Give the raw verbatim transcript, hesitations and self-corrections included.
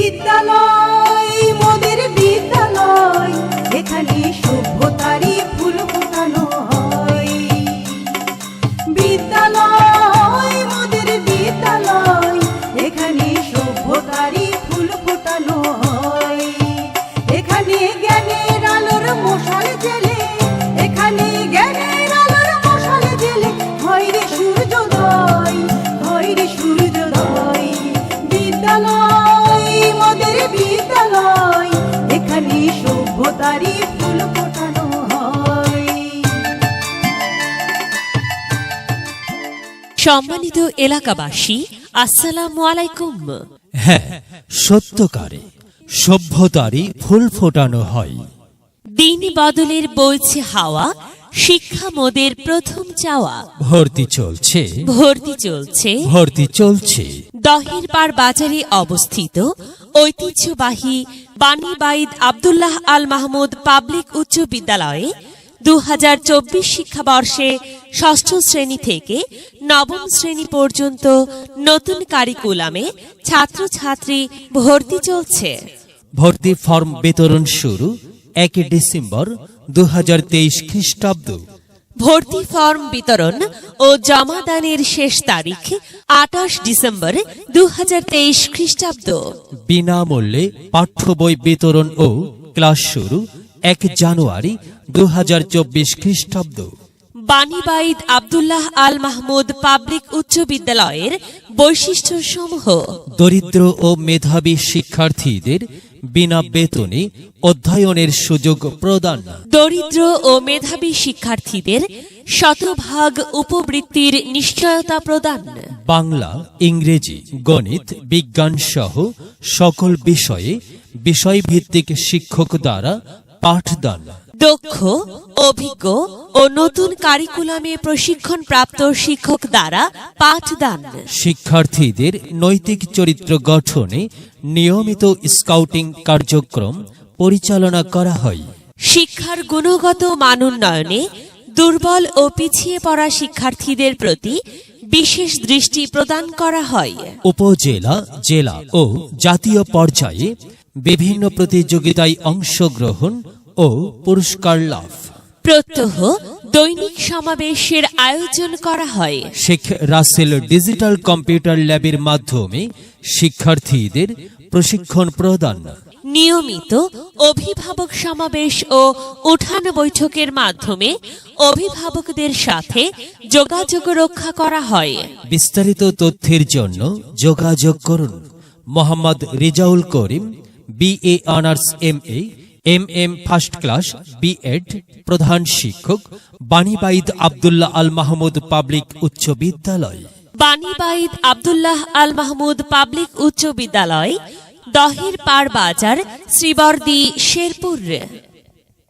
বিদ্যালয় মোদের বিদ্যালয়, এখানে সভ্যতারই ফুল ফোটানো হয়। বিদ্যালয় মোদের বিদ্যালয়, এখানে সভ্যতারই ফুল ফোটানো হয়। এখানে জ্ঞানের আলোর মশাল জেলে, এখানে জ্ঞানের আলোর মশাল জেলে হয় রে সূর্যোদয়, হয় রে সূর্যোদয়। বিদ্যালয় মোদের বিদ্যালয়, এখানে সভ্যতারই ফুল ফোটানো হয়। সম্মানিত এলাকাবাসী, আসসালামু আলাইকুম। হ্যাঁ, সত্যকারে সভ্যতারই ফুল ফোটানো হয়। দিন বদলের বইছে হাওয়া, শিক্ষা মোদের প্রথম চাওয়া। ভর্তি চলছে, ভর্তি চলছে ভর্তি চলছে। দহের পাড় বাজারে অবস্থিত ঐতিহ্যবাহী বাণীবাঈদ আব্দুল্লাহ আল মাহমুদ পাবলিক উচ্চ বিদ্যালয়ে দু হাজার চব্বিশ শিক্ষাবর্ষে ষষ্ঠ শ্রেণী থেকে নবম শ্রেণী পর্যন্ত নতুন কারিকুলামে ছাত্রছাত্রী ভর্তি চলছে। ভর্তি ফর্ম বিতরণ শুরু এক ডিসেম্বর দু হাজার তেইশ খ্রিস্টাব্দ। ভর্তি ফর্ম বিতরণ ও জমাদানের শেষ তারিখ আঠাশ ডিসেম্বর দু হাজার তেইশ খ্রিস্টাব্দ। বিনামূল্যে পাঠ্য বই বিতরণ ও ক্লাস শুরু এক জানুয়ারি দু হাজার চব্বিশ খ্রিস্টাব্দ। বাণীবাঈদ আব্দুল্লাহ আল মাহমুদ পাবলিক উচ্চ বিদ্যালয়ের বৈশিষ্ট্য সমূহ: দরিদ্র ও মেধাবী শিক্ষার্থীদের বিনা বেতনে অধ্যয়নের সুযোগ প্রদান। দরিদ্র ও মেধাবী শিক্ষার্থীদের শতভাগ উপবৃত্তির নিশ্চয়তা প্রদান। বাংলা, ইংরেজি, গণিত, বিজ্ঞান সহ সকল বিষয়ে বিষয়ভিত্তিক শিক্ষক দ্বারা পাঠদান। দক্ষ, অভিজ্ঞ ও নতুন কারিকুলামে প্রশিক্ষণ প্রাপ্ত শিক্ষক দ্বারা পাঠদান। শিক্ষার্থীদের নৈতিক চরিত্র গঠনে নিয়মিত স্কাউটিং কার্যক্রম পরিচালনা করা হয়। শিক্ষার গুণগত মান উন্নয়নে দুর্বল ও পিছিয়ে পড়া শিক্ষার্থীদের প্রতি বিশেষ দৃষ্টি প্রদান করা হয়। উপজেলা, জেলা ও জাতীয় পর্যায়ে বিভিন্ন প্রতিযোগিতায় অংশগ্রহণ ও পুরস্কার লাভ। প্রত্যহ দৈনিক সমাবেশের আয়োজন করা হয়। শেখ রাসেল ডিজিটাল কম্পিউটার ল্যাবের মাধ্যমে শিক্ষার্থীদের প্রশিক্ষণ প্রদান। নিয়মিত অভিভাবক সমাবেশ ও উঠান বৈঠকের মাধ্যমে অভিভাবকদের সাথে যোগাযোগ রক্ষা করা হয়। বিস্তারিত তথ্যের জন্য যোগাযোগ করুন Mohammad Rezaul Karim, BA honours, M A, M M first class, BEd, প্রধান শিক্ষক, বাণীবাঈদ আব্দুল্লাহ আল মাহমুদ পাবলিক উচ্চ বিদ্যালয়। বাণীবাঈদ আব্দুল্লাহ আল মাহমুদ পাবলিক উচ্চ বিদ্যালয়, দহের পাড় বাজার, শ্রীবর্দী, শেরপুর।